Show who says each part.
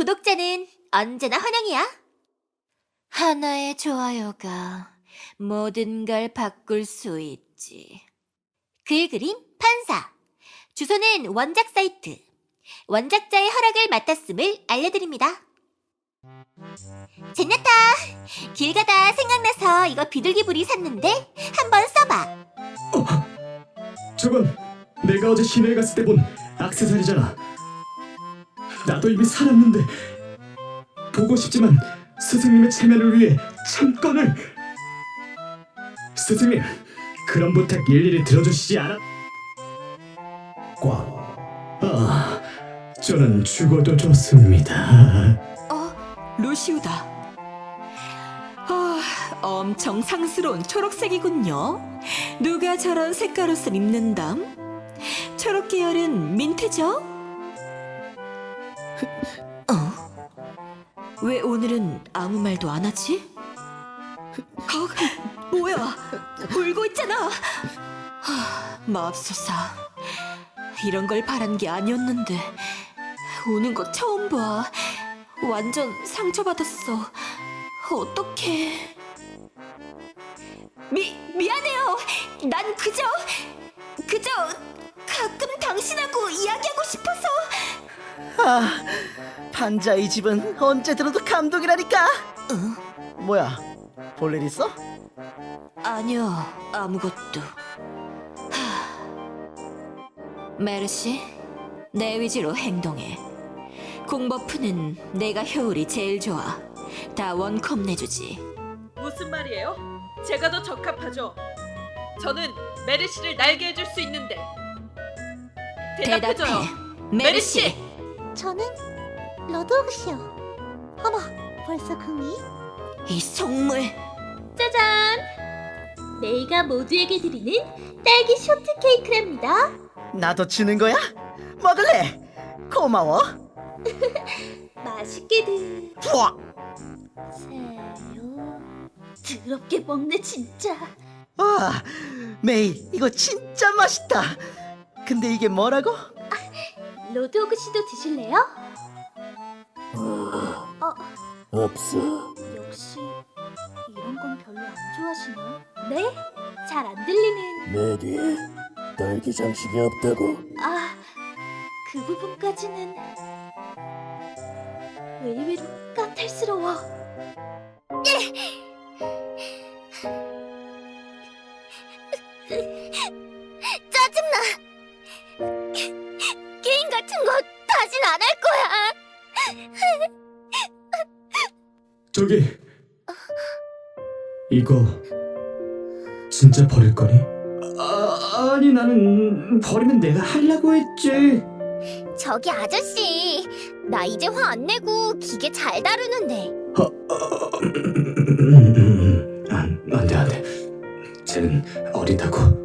Speaker 1: 구독자는 언제나 환영이야. 하나의 좋아요가 모든 걸 바꿀 수 있지. 글 그림 판사. 주소는 원작 사이트. 원작자의 허락을 맡았음을 알려드립니다. 제냐타, 길 가다 생각나서 이거 비둘기불이 샀는데 한번 써봐.
Speaker 2: 저건 내가 어제 시내에 갔을 때 본 액세서리잖아. 나도 이미 살았는데 보고 싶지만 스승님의 체면을 위해 잠깐을. 스승님, 그런 부탁 일일이 들어주시지 않아? 저는 죽어도 좋습니다.
Speaker 3: 루시우다. 엄청 상스러운 초록색이군요. 누가 저런 색깔 옷을 입는담? 초록 계열은 민트죠? 왜 오늘은 아무 말도 안 하지? 뭐야? 울고 있잖아. 맙소사. 이런 걸 바란 게 아니었는데 우는 거 처음 봐. 완전 상처받았어. 어떡해. 미안해요. 난 그저 가끔 당신하고 이야기하고 싶어서.
Speaker 4: 판자 이 집은 언제 들어도 감동이라니까. 뭐야, 볼 일 있어?
Speaker 3: 아니요, 아무것도. 메르시, 내 위주로 행동해. 공버프는 내가 효율이 제일 좋아. 다 원컵 내주지.
Speaker 5: 무슨 말이에요? 제가 더 적합하죠. 저는 메르시를 날게 해줄 수 있는데. 대답해줘요. 메르시!
Speaker 1: 저는 러드옥시요. 어머, 벌써 금이?
Speaker 3: 이 속물.
Speaker 1: 짜잔! 메이가 모두에게 드리는 딸기 쇼트 케이크랍니다.
Speaker 4: 나도 주는 거야? 먹을래? 고마워.
Speaker 1: 맛있게들.
Speaker 4: 우와,
Speaker 1: 세요. 더럽게 먹네 진짜.
Speaker 4: 메이, 이거 진짜 맛있다. 근데 이게 뭐라고?
Speaker 1: 로드오그 씨도 드실래요?
Speaker 2: 없어.
Speaker 1: 역시 이런 건 별로 안 좋아하시나? 네? 잘 안 들리는.
Speaker 2: 메리, 딸기 장식이 없다고.
Speaker 1: 그 부분까지는 의외로 까탈스러워. 짜증나. 게임 같은 거 다신 안 할 거야.
Speaker 2: 저기, 이거 진짜 버릴 거니? 아니, 나는 버리면 내가 하려고 했지.
Speaker 1: 저기 아저씨, 나 이제 화 안 내고 기계 잘 다루는데.
Speaker 2: 안 돼. 쟤는 어리다고.